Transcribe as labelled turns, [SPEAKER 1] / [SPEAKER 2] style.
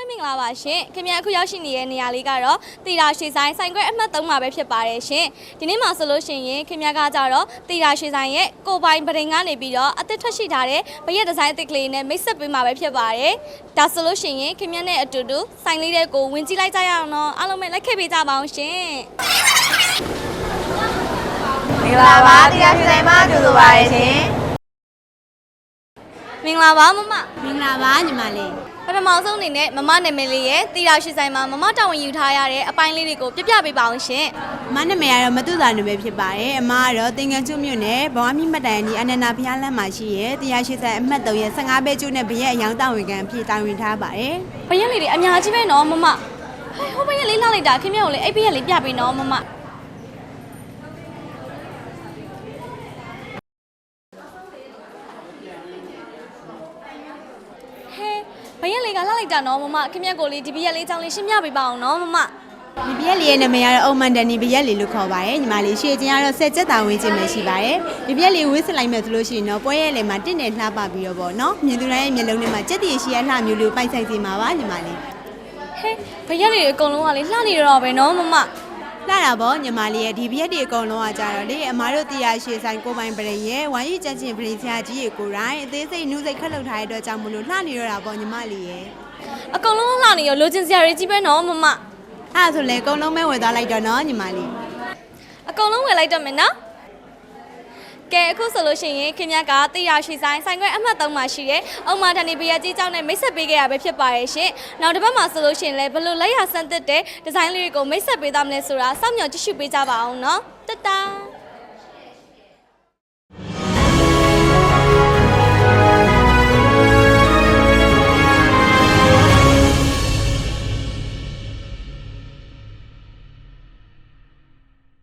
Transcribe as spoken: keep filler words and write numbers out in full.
[SPEAKER 1] မင်္ဂလာပါရှင်ခင်ဗျာအခုရောက်ရှိနေတဲ့နေရာလေးကတော့တီတာရွှေဆိုင်ဆိုင်ခွဲအမှတ်သုံးမှာပဲဖြစ်ပါတယ်ရှင်ဒီနေ့မှာဆိုလို့ရှိရင်ခင်ဗျာကကြတော့တီတာရွှေဆိုင်ရဲ့ကိုပိုင်ပရင်ကနေပြီးတော့အသစ်ထွက်ရှိထားတဲ့ဘရက်ဒီဇိုင်းအသစ်ကလေးနဲ့မိတ်ဆက်ပေးမှာပဲဖြစ်ပါတယ်ဒါဆိုလို့ရှိရင်ခင်ဗျာနဲ့အတူတူဆိုင်လေးတွေကိုဝင်ကြည့်လိုက်ကြရအောင်နော်အားလုံးပဲလိုက်ခဲ့ပေးကြပါအောင်ရှင်
[SPEAKER 2] မင်္ဂလာပါတီတာရွှေဆိုင်မှာကြိုဆိုပါရရှင်
[SPEAKER 1] မင်္ဂလာပါမမ
[SPEAKER 2] မင်္ဂလာပါညီမလေး
[SPEAKER 1] ပထမဆုံးအနေနဲ့မမနာမည်လေးရဲ့တီတာရွှေဆိုင်မှာမမတာဝန်ယူထားရတဲ့အပိုင်းလေးတွေကိုပြပြပေးပါအောင်ရှင်
[SPEAKER 2] မနာမည်ကတော့မတူတာနာမည်ဖြစ်ပါတယ်အမကတော့သင်္ကန်းကျွမြို့နယ်ဘဝမြင့်မတိုင်ဒီအနန္ဒာဘုရားလမ်းမှာရှိရဲ့တီတာရွှေဆိုင်အမှတ်သုံးရဲ့ဆယ့်ငါးပဲကျွနဲ့ဘရက်အယောင်တာဝန်ခံအဖြစ်တာဝန်ထားပါတယ်
[SPEAKER 1] ဘရက်လေးတွေအများကြီးပဲနော်မမဟိုဘရက်လေးလှလိုက်တာခင်ဗျကိုလေအဲ့ဘရက်လေးပြပေးနော်မမဘရက်လေးကလှလိုက်တာနော်မမခင်ဗျကိုလေးဒီဘရက်လေးအကြောင်းလေးရှင်းပြပေးပါအောင်နော်မမ
[SPEAKER 2] ဒီဘရက်လေးရဲ့နာမည်ကတော့အုံမန်တန်နီဘရက်လေးလို့ခေါ်ပါတယ်ညီမလေးရှေ့ချင်းကတော့ဆက်ချက်တာဝင်းချင်းပဲရှိပါတယ်ဒီဘရက်လေးဝှစ်စလိုက်မယ်ဆိုလို့ရှိရင်တော့ပွဲရဲလေးမှာတင့်တယ်လှပပြီးတော့ပေါ့နော်မြင်သူတိုင်းရဲ့မျက်လုံးထဲမှာကြက်တည်ရှိရလှမျိုးလေးပိုက်ဆိုင်စီမှာပါညီမလေး
[SPEAKER 1] ဟဲဘရက်လေးအကုန်လုံးကလေလှနေတော့ပဲနော်မမ
[SPEAKER 2] လာတာပေါ့ညီမလေးရဲ့ဒီဘရက်တွေအကုန်လုံးကကြတော့လေအမားတို့တီယာရှေဆိုင်ကိုပိုင်ပရိရဲ့ဝိုင်းရီကြက်ချင်းပရိဆရာကြီးရေကိုရိုင်းအသေးစိတ်နှူးစိတ်ခက်လုပ်ထားတဲ့အတွက်ကြောင့်မလို့လှနေရတာပေါ့ညီမလေးရဲ့
[SPEAKER 1] အကုန်လုံးလှနေရောလိုချင်စရာတွေကြီးပဲနော်မမ
[SPEAKER 2] အဲ့ဆိုလေအကုန်လုံးပဲဝယ်သွားလိုက်တော့နော်ညီမလေး
[SPEAKER 1] အကုန်လုံးဝယ်လိုက်တော့မယ်နော်ကဲအခုဆိုလို့ရှိရင်ခင်ဗျားကတီတာရွှေဆိုင်ဆိုင်ခွဲအမှတ်သုံးမှာရှိတယ်။အုံမာတန်ဒီဘရက်ကြီးเจ้าနဲ့မိတ်ဆက်ပေးခဲ့ရပဲဖြစ်ပါရဲ့ရှင်။နောက်တစ်ပတ်မှာဆိုလို့ရှိရင်လည်းဘလို့လက်ရဆန်းသစ်တဲ့ဒီဇိုင်းလေးတွေကိုမိတ်ဆက်ပေးသားမလဲဆိုတာစောင့်မျှော်ကြည့်ရှုပေးကြပါအောင်နော်။တတား